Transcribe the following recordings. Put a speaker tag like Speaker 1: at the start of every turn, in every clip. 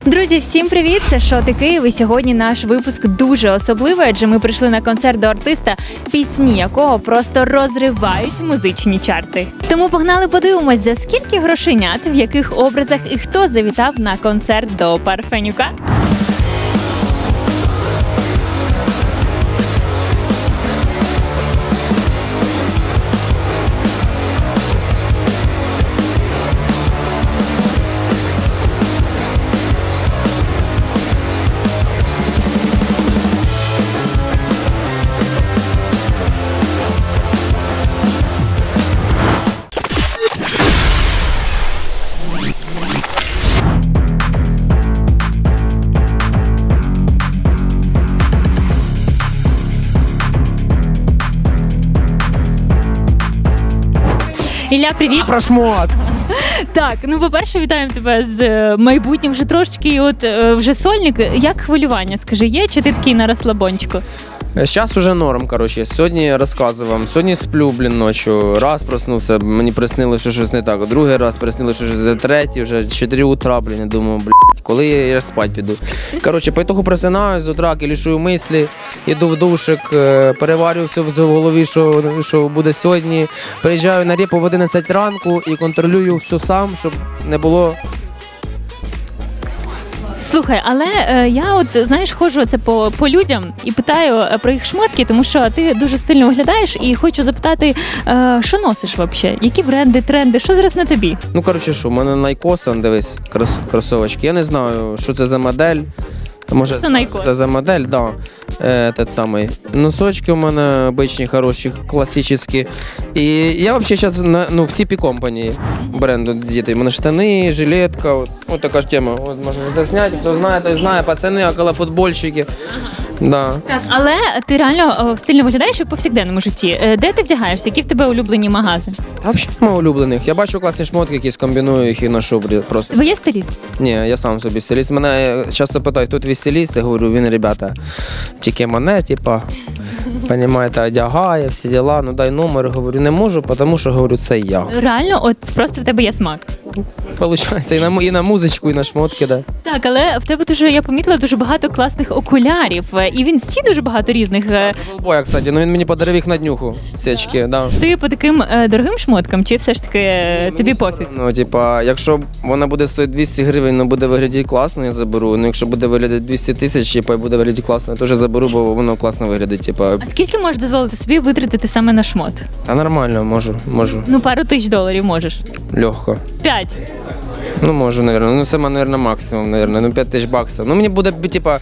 Speaker 1: Друзі, всім привіт! Це Шоти Київ. І сьогодні наш випуск дуже особливий, адже ми прийшли на концерт до артиста, пісні якого просто розривають музичні чарти. Тому погнали подивимось, за скільки грошенят, в яких образах і хто завітав на концерт до Парфенюка. Ілля, привіт!
Speaker 2: Про шмот!
Speaker 1: Так, ну по-перше, вітаємо тебе з майбутнім вже трошечки, і от вже сольник. Як хвилювання, скажи, є, чи ти такий на розслабончику?
Speaker 2: Сейчас уже норм, короче. Сьогодні розказую вам. Сьогодні сплю, ночью. Раз проснувся, мені приснилося, що щось не так. Другий раз приснилося, що щось не третій, вже 4 утра, я думаю, коли я спать піду. Короче, по итогу просинаюсь з утра, кілішую мислі, іду в душик, переварюю все в голові, що буде сьогодні. Приїжджаю на репу в 11 ранку і контролюю все сам, щоб не було...
Speaker 1: Слухай, але я от, знаєш, ходжу оце по людям і питаю про їх шмотки, тому що ти дуже стильно виглядаєш, і хочу запитати, що носиш взагалі? Які бренди, тренди, що зараз на тобі?
Speaker 2: Ну, коротше, що, у мене Nike, дивись, кросовочки. Я не знаю, що це за модель. Може, це за модель, да. Тот самий. Носочки у мене обичні, хороші, класичні. І я взагалі зараз на всі компанії бренду діти. У мене штани, жилетка, от така ж тема. От можна засняти, хто знає, той знає, пацани, околофутбольщики. Да.
Speaker 1: Так, але ти реально стильно виглядаєш і в повсякденному житті. Де ти вдягаєшся? Які в тебе улюблені магази?
Speaker 2: А взагалі немає улюблених. Я бачу класні шмотки, якісь комбіную їх і ношу просто.
Speaker 1: Ви є стиліст?
Speaker 2: Ні, я сам собі стиліст. Мене часто питають, хто твій стиліст? Я говорю, він, ребята, тільки мене, типа, понімаєте, одягає, всі діла, ну дай номер. Говорю, не можу, тому що, говорю, це я.
Speaker 1: Реально, от просто в тебе є смак.
Speaker 2: Получається, і на музичку, і на шмотки, да.
Speaker 1: Так, але в тебе дуже, я помітила, дуже багато класних окулярів. І в інсті дуже багато різних.
Speaker 2: Голбоя, кстати, ну він мені подарив їх на днюху, ці очки, да.
Speaker 1: Ти по таким дорогим шмоткам, чи все ж таки тобі пофіг?
Speaker 2: Ну, типа, якщо вона буде стоїти 200 гривень, але буде виглядати класно, я заберу. Ну, якщо буде виглядати 200 тисяч, типа, і буде виглядати класно, я теж заберу, бо воно класно виглядить, типа.
Speaker 1: А скільки можеш дозволити собі витратити саме на шмот?
Speaker 2: Та нормально, можу.
Speaker 1: Ну, пару тисяч доларів можеш.
Speaker 2: Легко.
Speaker 1: 5.
Speaker 2: Ну, можу, наверное. Ну, це, наверное, максимум, наверное. Ну, 5 тисяч баксів. Ну, мені буде, типа,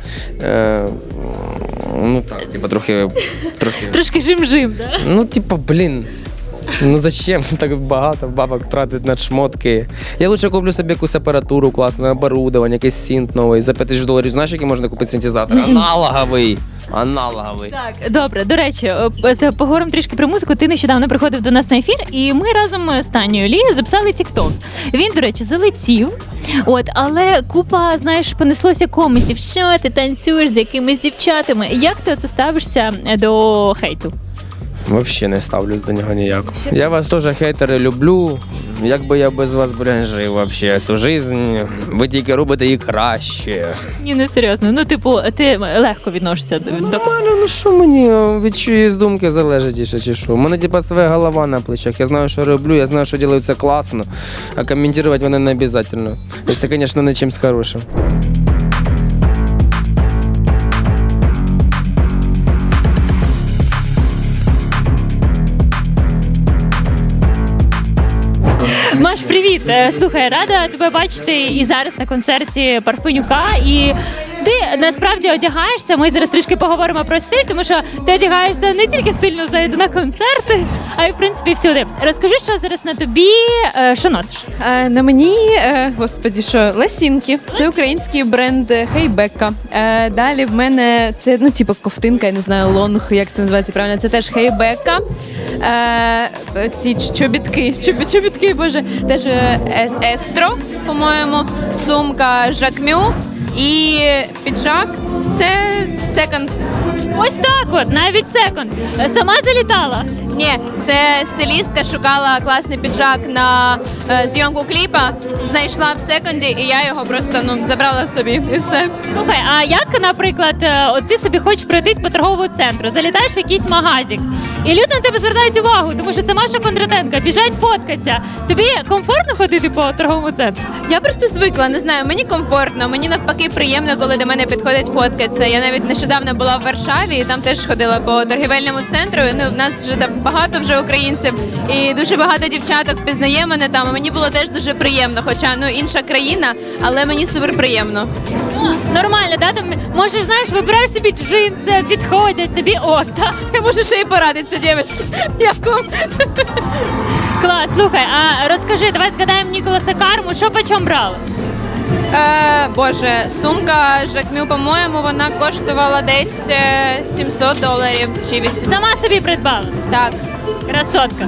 Speaker 2: ну, так, типа, трохи...
Speaker 1: Трошки жим-жим, да?
Speaker 2: Ну, типа, блін. Ну, зачем так багато бабок тратити на шмотки? Я лучше куплю собі якусь апаратуру, класне оборудовання, якийсь синт новий. За 5 тисяч доларів, знаєш, який можна купити синтезатор? Аналоговий.
Speaker 1: Так, добре. До речі, поговоримо трішки про музику. Ти нещодавно приходив до нас на ефір, і ми разом з Танією Лі записали TikTok. Він, до речі, залетів. От, але купа, знаєш, понеслося коментів, що ти танцюєш з якимись дівчатами. Як ти оце ставишся до хейту?
Speaker 2: Взагалі не ставлюсь до нього ніяк. Я вас теж, хейтери, люблю. Як би я без вас, жив вообще цю життя, ви тільки робите її краще.
Speaker 1: Ні, не серйозно. Ну, типу, ти легко відносишся до...
Speaker 2: Нормально, ну що мені від чиїсь думки залежить, чи що? У мене, типа, своя голова на плечах. Я знаю, що роблю, я знаю, що роблю це класно, а коментувати вони не обов'язково. Якщо, звісно, не чимось хорошим.
Speaker 1: Маш, привіт! Слухай, рада тебе бачити і зараз на концерті Парфенюка. І ти насправді одягаєшся, ми зараз трішки поговоримо про стиль, тому що ти одягаєшся не тільки стильно, знаєте, на концерти, а й, в принципі, всюди. Розкажи, що зараз на тобі, що носиш?
Speaker 3: На мені, господі, що, ласінки. Це український бренд Хейбека. Далі в мене це, ну, типу, ковтинка, я не знаю, лонг, як це називається правильно, це теж Хейбека. Ці чобітки, боже, теж Естро, по-моєму, сумка Жакмю і піджак це Секонд.
Speaker 1: Ось так от, навіть секонд. Сама залітала.
Speaker 3: Ні, це стилістка шукала класний піджак на зйомку кліпа, знайшла в секонді, і я його просто забрала собі, і все.
Speaker 1: Слухай, а як, наприклад, от ти собі хочеш пройтись по торговому центру, залітаєш в якийсь магазик, і люди на тебе звертають увагу, тому що це Маша Кондратенко, біжать фоткатися. Тобі комфортно ходити по торговому центру?
Speaker 3: Я просто звикла, не знаю, мені комфортно, мені навпаки приємно, коли до мене підходять фоткатися. Я навіть нещодавно була в Варшаві і там теж ходила по торгівельному центру. В нас вже там багато вже українців і дуже багато дівчаток пізнає мене там. І мені було теж дуже приємно, хоча інша країна, але мені супер приємно.
Speaker 1: Нормально, да? Там можеш, знаєш, вибираєш собі джинси, підходять, тобі ок, так?
Speaker 3: Я можу ще й порадитися, дівчатки. Як вам?
Speaker 1: Клас, слухай, а розкажи, давай згадаємо Ніколаса Карму, що по чому брали?
Speaker 3: Боже, сумка Жакмю, по-моєму, вона коштувала десь $700 чи 800.
Speaker 1: Сама собі придбала?
Speaker 3: Так.
Speaker 1: Красотка.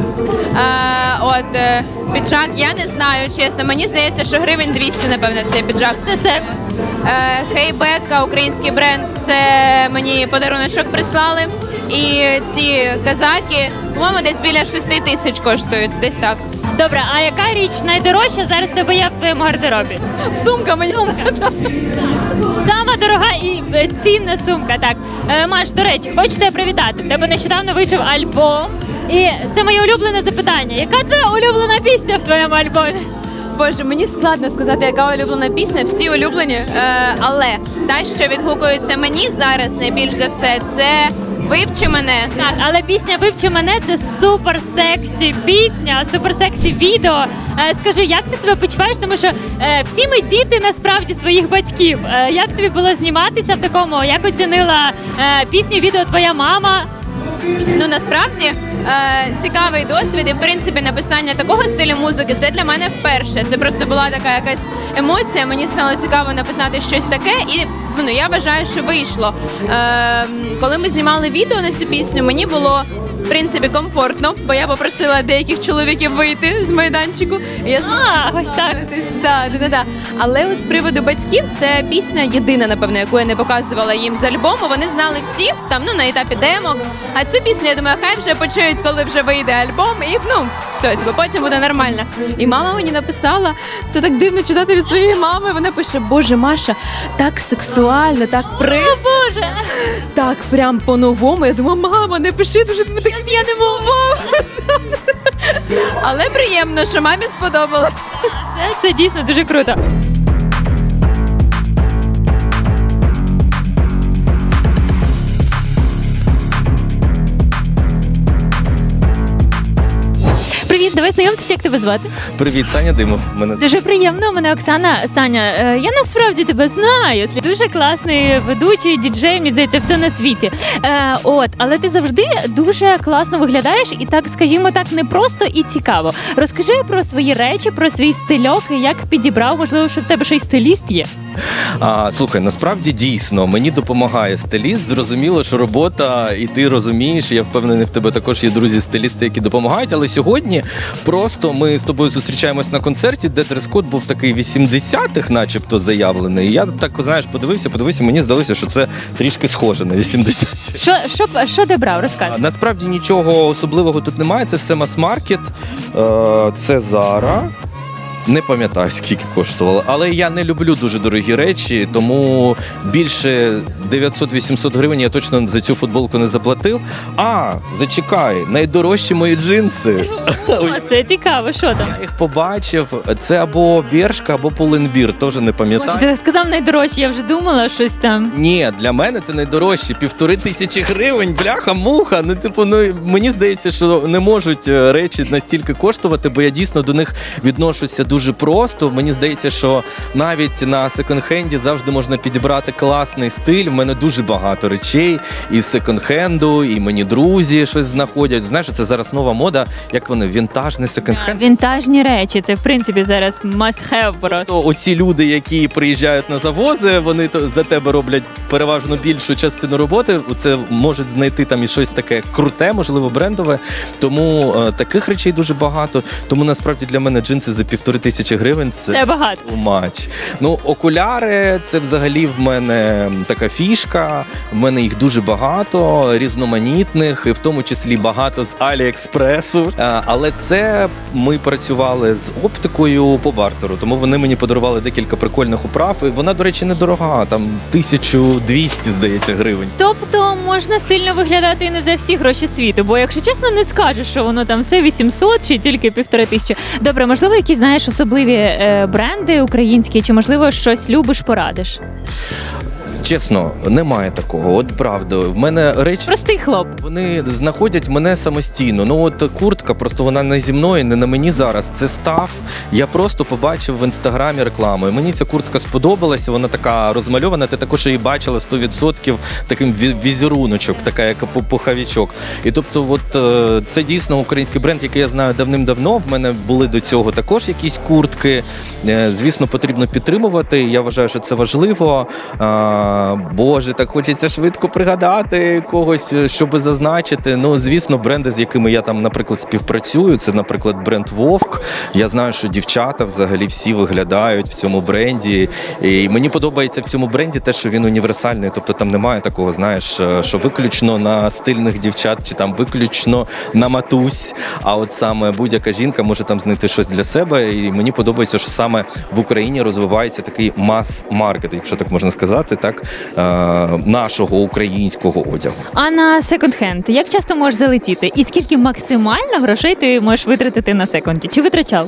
Speaker 3: Піджак, я не знаю, чесно. Мені здається, що гривень 200, напевно, цей піджак.
Speaker 1: Це себе.
Speaker 3: Хейбека, український бренд, це мені подаруночок прислали. І ці казаки, по-моєму, десь біля 6 тисяч коштують, десь так.
Speaker 1: Добре, а яка річ найдорожча зараз в тебе є в твоєму гардеробі?
Speaker 3: Сумка мені.
Speaker 1: Сама дорога і цінна сумка. Так, Маш, до речі, хочу тебе привітати. В тебе нещодавно вийшов альбом. І це моє улюблене запитання. Яка твоя улюблена пісня в твоєму альбомі?
Speaker 3: Боже, мені складно сказати, яка улюблена пісня, всі улюблені. Але та, що відгукується мені зараз найбільш за все, це «Вивчи мене».
Speaker 1: Так, але пісня «Вивчи мене» – це супер сексі пісня, супер сексі відео. Скажи, як ти себе почуваєш? Тому що всі ми діти насправді своїх батьків. Як тобі було зніматися в такому? Як оцінила пісню, відео твоя мама?
Speaker 3: Насправді цікавий досвід і, в принципі, написання такого стилю музики – це для мене вперше. Це просто була така якась емоція, мені стало цікаво написати щось таке, і я вважаю, що вийшло. Коли ми знімали відео на цю пісню, мені було, в принципі, комфортно, бо я попросила деяких чоловіків вийти з майданчику. І я змогла
Speaker 1: ось так.
Speaker 3: Да. Але от з приводу батьків, це пісня єдина, напевно, яку я не показувала їм з альбому. Вони знали всі, там, на етапі демок. А цю пісню, я думаю, хай вже почують, коли вже вийде альбом, і, все, потім буде нормально. І мама мені написала, це так дивно читати від своєї мами, вона пише: «Боже, Маша, так сексуально, так
Speaker 1: О, Боже!
Speaker 3: так прям по-новому». Я думаю, мама, не пиши, дуже так я не можу. Але приємно, що мамі сподобалось.
Speaker 1: Це дійсно дуже круто. Привіт, давай знайомтеся, як тебе звати?
Speaker 4: Привіт, Саня Димов.
Speaker 1: Дуже приємно, мене Оксана. Саня, я насправді тебе знаю. Дуже класний ведучий, діджей, мені здається, все на світі. Але ти завжди дуже класно виглядаєш і так, скажімо так, непросто і цікаво. Розкажи про свої речі, про свій стильок, як підібрав, можливо, що в тебе ще й стиліст є?
Speaker 4: Слухай, насправді дійсно, мені допомагає стиліст. Зрозуміло, що робота, і ти розумієш, я впевнений, в тебе також є друзі-стилісти, які допомагають, але сьогодні просто ми з тобою зустрічаємось на концерті, де дрес-код був такий 80-х начебто заявлений. І я так, знаєш, подивився, мені здалося, що це трішки схоже на 80-ті.
Speaker 1: Що ти брав? Розказуй.
Speaker 4: Насправді нічого особливого тут немає, це все мас-маркет, це Zara. Не пам'ятаю, скільки коштувало, але я не люблю дуже дорогі речі, тому більше 900-800 гривень я точно за цю футболку не заплатив. Зачекай, найдорожчі мої джинси.
Speaker 1: Це цікаво, що там?
Speaker 4: Я їх побачив, це або Бершка, або Pull&Bear, теж не пам'ятаю.
Speaker 1: Може, ти сказав найдорожче, я вже думала щось там.
Speaker 4: Ні, для мене це найдорожче, 1500 гривень, бляха-муха. Мені здається, що не можуть речі настільки коштувати, бо я дійсно до них відношуся дуже просто. Мені здається, що навіть на секонд-хенді завжди можна підібрати класний стиль. У мене дуже багато речей із секонд-хенду, і мені друзі щось знаходять. Знаєш, це зараз нова мода, як вони, вінтажний секонд-хенд.
Speaker 1: Вінтажні речі, це в принципі зараз must have просто.
Speaker 4: Оці люди, які приїжджають на завози, вони за тебе роблять переважно більшу частину роботи. Це можуть знайти там і щось таке круте, можливо, брендове. Тому таких речей дуже багато. Тому насправді для мене джинси за 1500 тисячі гривень
Speaker 1: Це багато.
Speaker 4: too much. Ну, окуляри – це взагалі в мене така фішка. В мене їх дуже багато, різноманітних, і в тому числі багато з Аліекспресу. Але це ми працювали з оптикою по бартеру, тому вони мені подарували декілька прикольних управ. І вона, до речі, недорога, там 1200, здається, гривень.
Speaker 1: Тобто можна стильно виглядати і не за всі гроші світу, бо якщо чесно, не скажеш, що воно там все 800 чи тільки 1500. Добре, можливо, якісь, знаєш, особливі бренди українські, чи можливо щось любиш, порадиш?
Speaker 4: Чесно, немає такого. От правда, в мене речі.
Speaker 1: Простий хлоп.
Speaker 4: Вони знаходять мене самостійно. Ну от куртка, просто вона не зі мною, не на мені зараз. Це став. Я просто побачив в інстаграмі рекламу. І мені ця куртка сподобалася. Вона така розмальована. Ти також її бачила 100% таким візеруночок, така як пуховичок. І тобто, от це дійсно український бренд, який я знаю давним-давно. В мене були до цього також якісь куртки. Звісно, потрібно підтримувати. Я вважаю, що це важливо. Боже, так хочеться швидко пригадати когось, щоб зазначити. Ну, звісно, бренди, з якими я там, наприклад, співпрацюю, це, наприклад, бренд Вовк. Я знаю, що дівчата взагалі всі виглядають в цьому бренді. І мені подобається в цьому бренді те, що він універсальний. Тобто там немає такого, знаєш, що виключно на стильних дівчат, чи там виключно на матусь. А от саме будь-яка жінка може там знайти щось для себе. І мені подобається, що саме в Україні розвивається такий мас-маркет, якщо так можна сказати, так, нашого українського одягу.
Speaker 1: А на секонд-хенд як часто можеш залетіти? І скільки максимально грошей ти можеш витратити на секонді? Чи витрачав?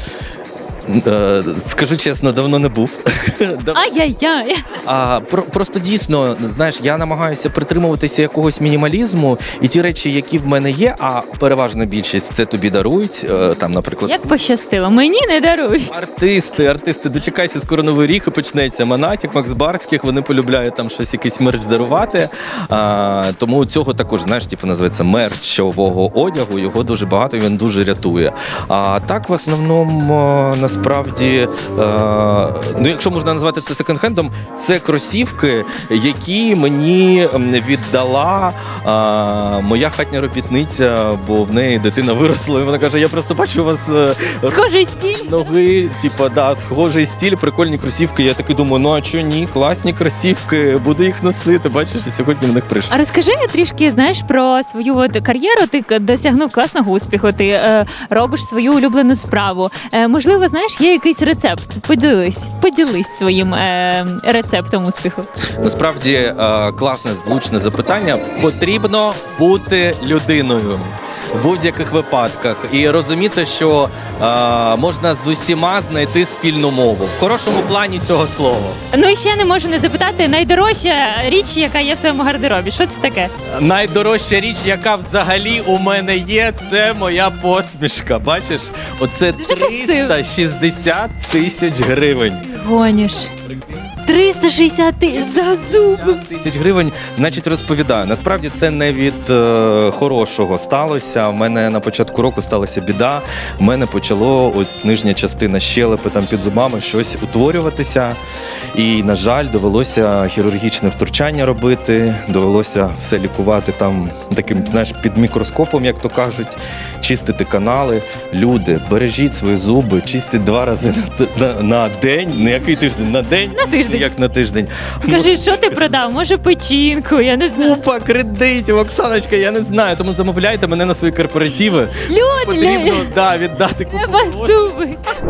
Speaker 4: Скажу чесно, давно не був.
Speaker 1: Ай-яй-яй.
Speaker 4: Просто дійсно, знаєш, я намагаюся притримуватися якогось мінімалізму, і ті речі, які в мене є, а переважна більшість це тобі дарують, там, наприклад.
Speaker 1: Як пощастило, мені не дарують.
Speaker 4: Артисти, дочекайся, скоро Новий рік і почнеться. Монатік, Макс Барських, вони полюбляють там щось, якийсь мерч дарувати. Тому цього також, знаєш, типу, називається мерчового одягу, його дуже багато, і він дуже рятує. А так, в основному, насправді, ну, якщо можна назвати це секонд-хендом, це кросівки, які мені віддала моя хатня робітниця, бо в неї дитина виросла, і вона каже, я просто бачу у вас
Speaker 1: Схожий стиль.
Speaker 4: ноги, типу, да, схожий стиль, прикольні кросівки. Я таки думаю, ну а чого ні, класні кросівки, буду їх носити, бачиш, і сьогодні в них прийшов.
Speaker 1: А розкажи трішки, знаєш, про свою от кар'єру. Ти досягнув класного успіху, ти робиш свою улюблену справу. Можливо, знаєш, є якийсь рецепт? Поділись своїм рецептом успіху.
Speaker 4: Насправді, класне, влучне запитання. Потрібно бути людиною в будь-яких випадках і розуміти, що можна з усіма знайти спільну мову. В хорошому плані цього слова.
Speaker 1: Ну і ще не можу не запитати, найдорожча річ, яка є в твоєму гардеробі. Що це таке?
Speaker 4: Найдорожча річ, яка взагалі у мене є, це моя посмішка. Бачиш? Оце
Speaker 1: Дуже красиво.
Speaker 4: 360 тисяч гривень.
Speaker 1: Гоніш. 360 тисяч за зуби.
Speaker 4: Тисяч гривень, значить, розповідаю. Насправді це не від хорошого сталося. У мене на початку року сталася біда. У мене почало нижня частина щелепи там під зубами щось утворюватися. І, на жаль, довелося хірургічне втручання робити, довелося все лікувати там таким, знаєш, під мікроскопом, як то кажуть, чистити канали. Люди, бережіть свої зуби, чистіть 2 рази на день. Не який тиждень, на день.
Speaker 1: На тиждень.
Speaker 4: Як на тиждень.
Speaker 1: Скажи, що ти продав? Може, печінку? Я не знаю.
Speaker 4: Купа кредитів, Оксаночка, я не знаю. Тому замовляйте мене на свої корпоративи. Потрібно віддати купу
Speaker 1: Треба
Speaker 4: грошей.
Speaker 1: зуби.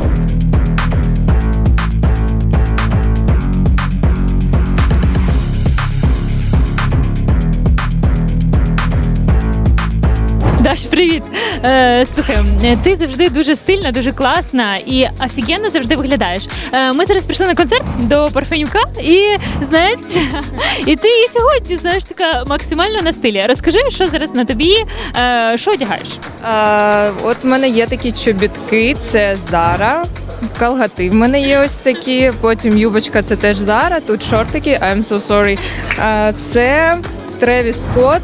Speaker 1: Даш, привіт. Слухай, ти завжди дуже стильна, дуже класна і офігенно завжди виглядаєш. Ми зараз прийшли на концерт до Парфенюка і, знаєш, і ти і сьогодні, знаєш, така максимально на стилі. Розкажи, що зараз на тобі, що одягаєш?
Speaker 3: От в мене є такі чобітки, це Zara. Калгати в мене є ось такі, потім юбочка, це теж Zara, тут шортики, I'm so sorry. Це Travis Scott.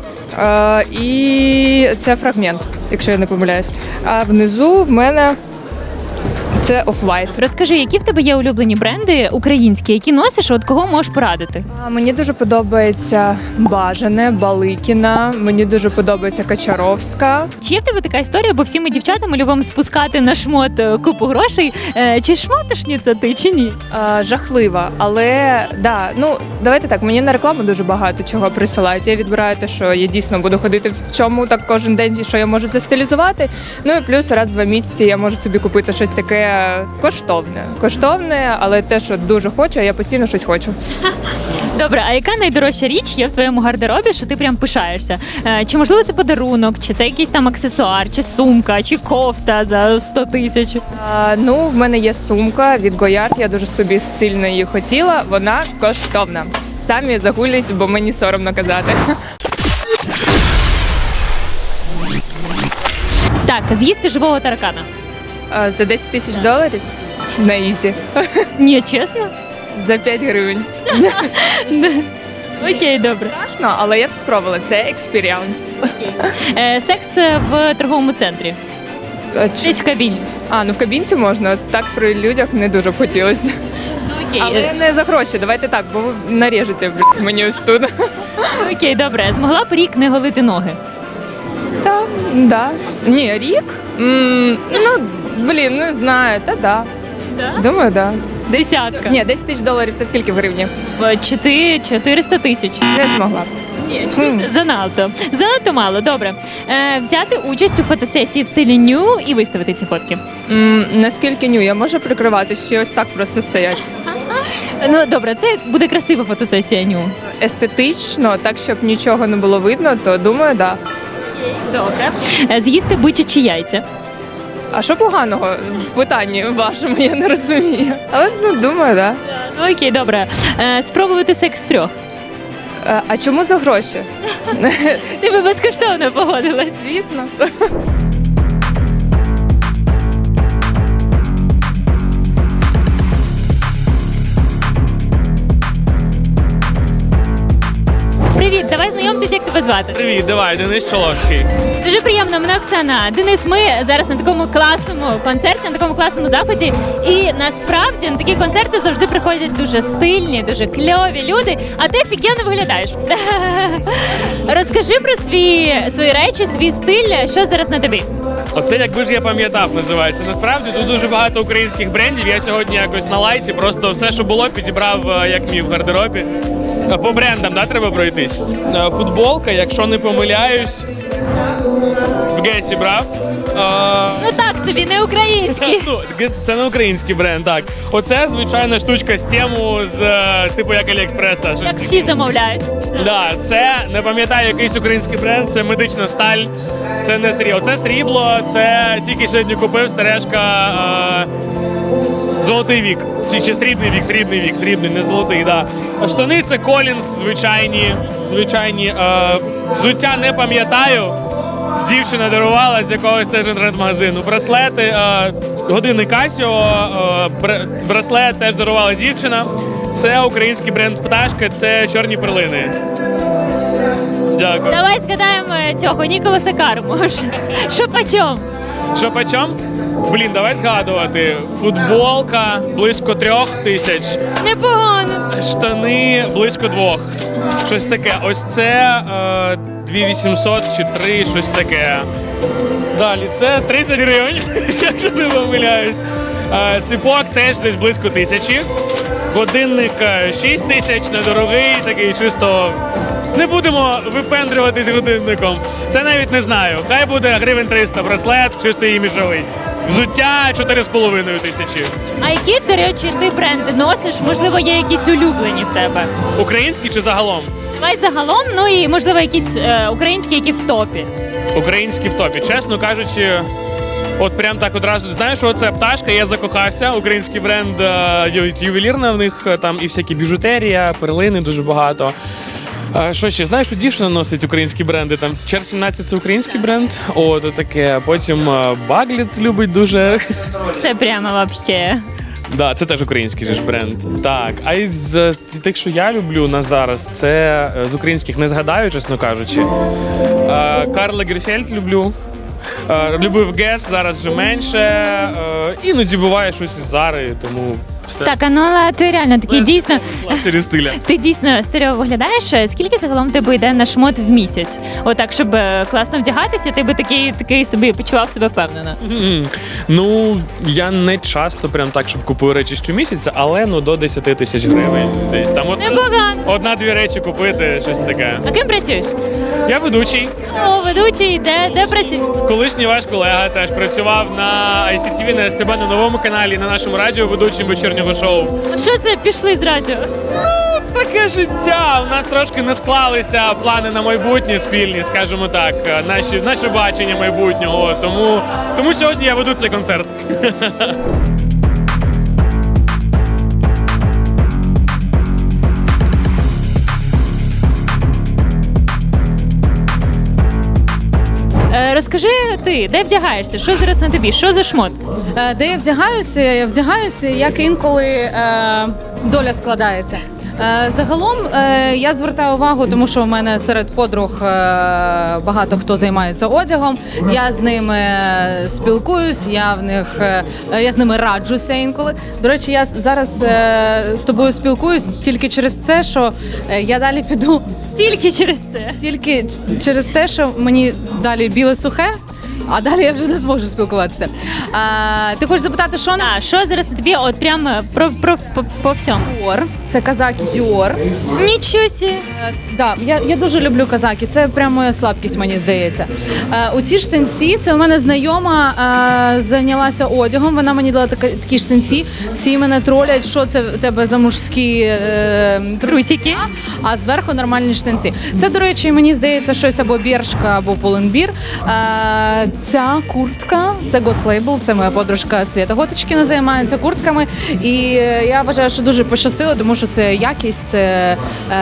Speaker 3: І це фрагмент, якщо я не помиляюсь. А внизу в мене Це Off-White.
Speaker 1: Розкажи, які в тебе є улюблені бренди українські, які носиш, от кого можеш порадити?
Speaker 3: Мені дуже подобається Бажане, Баликіна, мені дуже подобається Качаровська.
Speaker 1: Чи є в тебе така історія, бо всі ми дівчатами любимо спускати на шмот купу грошей. Чи шмотошниця ти, чи ні?
Speaker 3: Жахлива, але да, ну давайте так, мені на рекламу дуже багато чого присилають. Я відбираю те, що я дійсно буду ходити в чому так кожен день, і що я можу застилізувати. Ну і плюс раз в 2 місяці я можу собі купити щось таке коштовне, але те, що дуже хочу, а я постійно щось хочу.
Speaker 1: Добре, а яка найдорожча річ є в твоєму гардеробі, що ти прям пишаєшся? Чи можливо це подарунок, чи це якийсь там аксесуар, чи сумка, чи кофта за 100 тисяч?
Speaker 3: Ну, в мене є сумка від Goyard, я дуже собі сильно її хотіла, вона коштовна. Самі загулять, бо мені соромно казати.
Speaker 1: Так, з'їсти живого таракана.
Speaker 3: За $10 тисяч на ізі.
Speaker 1: Ні, чесно?
Speaker 3: За 5 гривень.
Speaker 1: Окей, добре.
Speaker 3: Страшно, але я б спробувала. Це експіріанс.
Speaker 1: Секс в торговому центрі. Десь в кабінці.
Speaker 3: Ну в кабінці можна, так при людях не дуже б хотілося.
Speaker 1: Окей.
Speaker 3: Але не за гроші, давайте так, бо ви наріжете мені ось тут.
Speaker 1: Окей, добре. Змогла б рік не голити ноги?
Speaker 3: Так, да. Ні, рік? Не знаю, да. Думаю, да.
Speaker 1: Десятка.
Speaker 3: Ні, $10 тисяч це скільки в гривні?
Speaker 1: 400 тисяч.
Speaker 3: Не змогла.
Speaker 1: Занадто. Занадто мало. Добре. Взяти участь у фотосесії в стилі ню і виставити ці фотки.
Speaker 3: Наскільки ню? Я можу прикривати, ще ось так просто стоять.
Speaker 1: Ну, добре, це буде красива фотосесія ню.
Speaker 3: Естетично, так, щоб нічого не було видно, то думаю, да.
Speaker 1: Добре. З'їсти бичачі яйця.
Speaker 3: А що поганого в питанні вашому, я не розумію. Але, думаю, да.
Speaker 1: Ну, окей, добре. Спробувати секс 3.
Speaker 3: А чому за гроші?
Speaker 1: Ти би безкоштовно погодилась.
Speaker 3: Звісно.
Speaker 1: Привіт, давай знайомтесь, як тебе звати.
Speaker 5: Привіт, давай, Денис Чоловський.
Speaker 1: Дуже приємно, мене Оксана. Денис, ми зараз на такому класному концерті, на такому класному заході. І насправді на такі концерти завжди приходять дуже стильні, дуже кльові люди, а ти офігенно виглядаєш. Розкажи про свої речі, свій стиль, що зараз на тобі.
Speaker 5: Оце якби ж я пам'ятав, називається. Насправді тут дуже багато українських брендів. Я сьогодні якось на лайці просто все, що було, підібрав як міг в гардеробі. По брендам, да, треба пройтись. Футболка, якщо не помиляюсь, в Гесі брав.
Speaker 1: Ну так собі, не український.
Speaker 5: Це не український бренд, так. Оце звичайна штучка з тему, типу як Аліекспреса.
Speaker 1: Як всі замовляють.
Speaker 5: Да, це, не пам'ятаю, якийсь український бренд, це медична сталь, це не срібло. Це срібло, це тільки сьогодні купив, сережка золотий вік. Чи ще срібний вік, не золотий, да. А штани це Колінс, звичайні. Взуття не пам'ятаю, дівчина дарувала з якогось теж інтернет-магазину. Браслети, годинник Casio, браслет теж дарувала дівчина. Це український бренд «Пташка», це чорні перлини. Дякую.
Speaker 1: Давай згадаємо цього Ніколаса Карму. Що почом?
Speaker 5: Що почем? Блін, давай згадувати. Футболка близько 3 тисяч.
Speaker 1: Непогано.
Speaker 5: Штани близько 2. Щось таке. Ось це 2800 чи 3, щось таке. Далі, це 30 гривень, якщо не помиляюсь. Ціпок теж десь близько 1000. Годинник 6 тисяч, недорогий, такий чисто. Не будемо випендрюватись годинником. Це навіть не знаю. Хай буде гривень 300 браслет, чисто іміджовий. Взуття 4,5 тисячі.
Speaker 1: А які, до речі, ти бренди носиш? Можливо, є якісь улюблені в тебе?
Speaker 5: Українські чи загалом?
Speaker 1: Давай загалом, ну і можливо якісь українські, які в топі.
Speaker 5: Українські в топі. Чесно кажучи, от прям так одразу, знаєш, що це «Пташка», я закохався. Український бренд, ювелірна в них, там і всякі біжутерія, перлини дуже багато. Що ще? Знаєш, що дівчина носить українські бренди? Там Чер 17 це український бренд. От таке. Потім Багліт любить дуже.
Speaker 1: Це прямо вообще.
Speaker 5: Да, це теж український же ж бренд. Так, а із тих, що я люблю на зараз, це з українських не згадаю, чесно кажучи. Карл Лагерфельд люблю. Любив Гес, зараз вже менше. Іноді буває щось із Зари, тому все.
Speaker 1: Так, а ну але ти реально такий дійсно.
Speaker 5: Через стиля.
Speaker 1: Ти дійсно стерео виглядаєш. Скільки загалом тебе йде на шмот в місяць? Отак, щоб класно вдягатися, ти би такий собі почував себе впевнено.
Speaker 5: Ну, я не часто прям так, щоб купую речі щомісяця, але ну до 10 тисяч гривень. Десь там
Speaker 1: Непогано.
Speaker 5: одна-дві речі купити, щось таке.
Speaker 1: А ким працюєш?
Speaker 5: Я ведучий.
Speaker 1: О, ведучий, де працюєш?
Speaker 5: Колишній ваш колега теж працював на ICTV, на СТБ, на новому каналі, на нашому радіо, ведучим вечірнього шоу.
Speaker 1: Що це пішли з радіо?
Speaker 5: Таке життя. У нас трошки не склалися плани на майбутнє спільні, скажімо так, наше бачення майбутнього. Тому сьогодні я веду цей концерт.
Speaker 1: Розкажи ти, де вдягаєшся? Що зараз на тобі? Що за шмот?
Speaker 6: Де я вдягаюся? Я вдягаюся, як інколи доля складається. Загалом я звертаю увагу, тому що в мене серед подруг багато хто займається одягом. Я з ними спілкуюсь, я з ними раджуся інколи. До речі, я зараз з тобою спілкуюсь тільки через це, що я далі піду.
Speaker 1: Тільки через це.
Speaker 6: Тільки через те, що мені далі біле сухе, а далі я вже не зможу спілкуватися. Ти хочеш запитати, що на
Speaker 1: А що зараз на тобі? От прямо по всьому.
Speaker 6: Dior? Це казаки Dior.
Speaker 1: Нічого сі.
Speaker 6: Да, я дуже люблю казаки. Це прямо моя слабкість, мені здається. У ці штанці, це у мене знайома зайнялася одягом. Вона мені дала такі штанці. Всі мене тролять, що це в тебе за мужські
Speaker 1: Трусики.
Speaker 6: а зверху нормальні штанці. Це, до речі, мені здається, щось або Бершка, або Pull&Bear. Ця куртка, це God's Label, це моя подружка Свята Готочкіна займається куртками. І я вважаю, що дуже пощастило, тому що це якість, це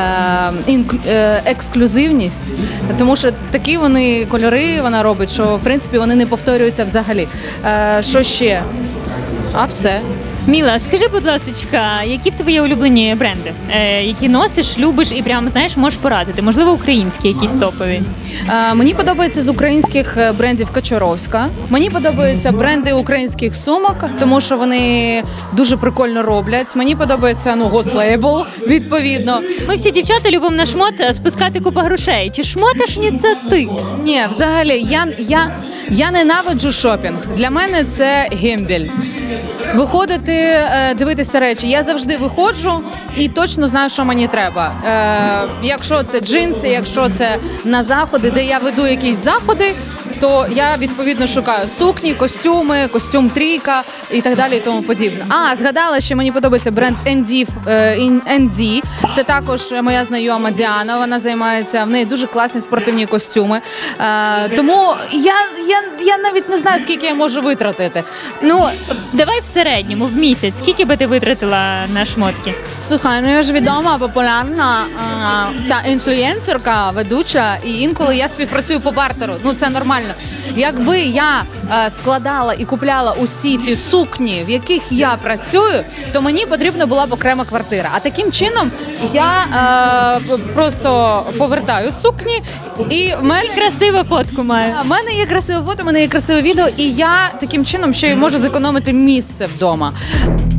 Speaker 6: ексклюзивність. Тому що такі вони кольори вона робить, що в принципі вони не повторюються взагалі. Що ще? А все.
Speaker 1: Міла, скажи, будь ласка, які в тебе є улюблені бренди, які носиш, любиш і прямо знаєш, можеш порадити? Можливо, українські якісь топові.
Speaker 6: Мені подобається з українських брендів Качаровська. Мені подобаються бренди українських сумок, тому що вони дуже прикольно роблять. Мені подобається God's Label, відповідно.
Speaker 1: Ми всі дівчата любимо на шмот спускати купу грошей. Чи шмоташні це ти?
Speaker 6: Ні, взагалі, я ненавиджу шопінг. Для мене це гембель. Виходити, дивитися речі. Я завжди виходжу і точно знаю, що мені треба. Якщо це джинси, якщо це на заходи, де я веду якісь заходи, то я відповідно шукаю сукні, костюми, костюм трійка і так далі і тому подібне. Згадала, що мені подобається бренд ND. Це також моя знайома Діана, вона займається, в неї дуже класні спортивні костюми. Тому я навіть не знаю, скільки я можу витратити.
Speaker 1: Ну, давай в середньому, в місяць. Скільки би ти витратила на шмотки?
Speaker 6: Слухай, я ж відома, популярна ця інфлюєнсерка, ведуча, і інколи я співпрацюю по бартеру. Ну, це нормально. Якби я складала і купляла усі ці сукні, в яких я працюю, то мені потрібна була б окрема квартира. А таким чином я просто повертаю сукні, і в мене
Speaker 1: Красиву фотку маю.
Speaker 6: в мене є красиве фото, в мене є красиве відео, і я таким чином ще й можу зекономити місце вдома.